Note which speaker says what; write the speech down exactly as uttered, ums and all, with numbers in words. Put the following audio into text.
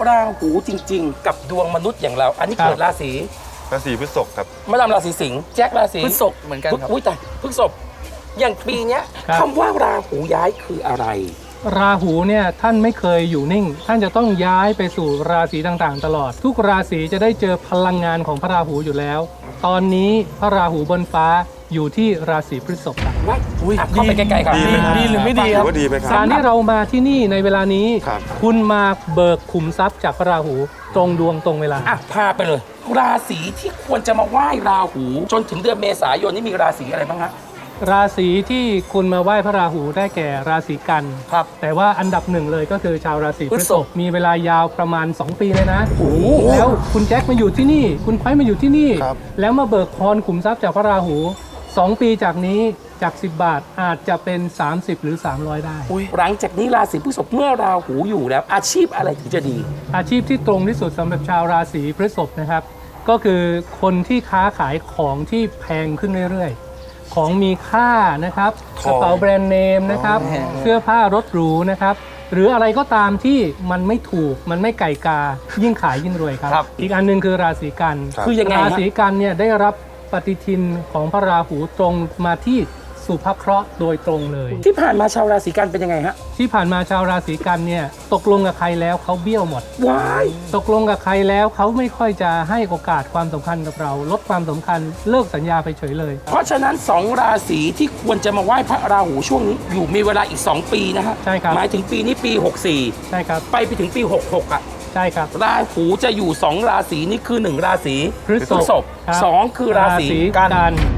Speaker 1: ราหูจริงๆกับดวงมนุษย์อย่างเรา อันนี้เกิดราศี
Speaker 2: ราศีพฤษภครับ
Speaker 1: มาดามราศีสิงห์แจ็คราศี
Speaker 3: พฤษภเหมือนกันครับ
Speaker 1: อุ้ยแต่พฤษภอย่างปีเนี้ยคำว่าราหูย้ายคืออะไร
Speaker 4: ราหูเนี่ยท่านไม่เคยอยู่นิ่งท่านจะต้องย้ายไปสู่ราศีต่างๆตลอดทุกราศีจะได้เจอพลังงานของพระราหูอยู่แล้วตอนนี้พระราหูบนฟ้าอยู่ที่ราศีพฤษภครับ
Speaker 1: ว่าเข้าไปใกล้ๆครับ
Speaker 3: ดีหรือไม่ดีครับ
Speaker 2: ว่าดีไหมครับ
Speaker 4: การที่เรามาที่นี่ในเวลานี้คุณมาเบิกขุมทรัพย์จากพระราหูตรงดวงตรงเวลา
Speaker 1: อ่ะพาไปเลยราศีที่ควรจะมาไหว้ราหูจนถึงเดือนเมษายนนี่มีราศีอะไรบ้างฮะ
Speaker 4: ราศีที่คุณมาไหว้พระราหูได้แก่ราศีกัน
Speaker 3: ครับ
Speaker 4: แต่ว่าอันดับหนึ่งเลยก็คือชาวราศีพฤษภมีเวลายาวประมาณสองปีเลยนะแล้วคุณแจ็คมาอยู่ที่นี่คุณไพมาอยู่ที่นี่แล้วมาเบิกพรขุมทรัพย์จากพระราหูสองปีจากนี้จากสิบบาทอาจจะเป็นสามสิบหรือสามร้อยได้
Speaker 1: หลังจากนี้ราศีพฤษภเมื่อราหูอยู่แล้วอาชีพอะไรถึงจะดี
Speaker 4: อาชีพที่ตรงที่สุดสำหรับชาวราศีพฤษภนะครับก็คือคนที่ค้าขายของที่แพงขึ้นเรื่อยๆของมีค่านะครับกระเป๋าแบรนด์เนมนะครับเสื้อผ้ารถหรูนะครับหรืออะไรก็ตามที่มันไม่ถูกมันไม่ไก่กายิ่งขายยิ่งรวยครับอีกอันนึงคือราศีกัน
Speaker 1: คือยังไง
Speaker 4: ราศีกันเนี่ยได้รับปฏิทินของพระราหูตรงมาที่สุภเคราะห์โดยตรงเลย
Speaker 1: ที่ผ่านมาชาวราศีกันเป็นยังไงฮะ
Speaker 4: ที่ผ่านมาชาวราศีกันเนี่ยตกลงกับใครแล้วเขาเบี้ยวหมด
Speaker 1: ว้าย
Speaker 4: ตกลงกับใครแล้วเขาไม่ค่อยจะให้โอกาสความสำคัญกับเราลดความสำคัญเลิกสัญญาไปเฉยเลย
Speaker 1: เพราะฉะนั้นสองราศีที่ควรจะมาไหว้พระราหูช่วงนี้อยู่มีเวลาอีกสองปีนะฮะ
Speaker 4: ใช่ครับ
Speaker 1: หมายถึงปีนี้ปีหกสี่
Speaker 4: ใช่ครับ
Speaker 1: ไปไปถึงปีหกหกอ่ะ
Speaker 4: ใช่ครับ
Speaker 1: ราหูจะอยู่สองราศีนี่คือหนึ่งราศี
Speaker 4: พฤษภ
Speaker 1: สองคือราศี
Speaker 4: กัน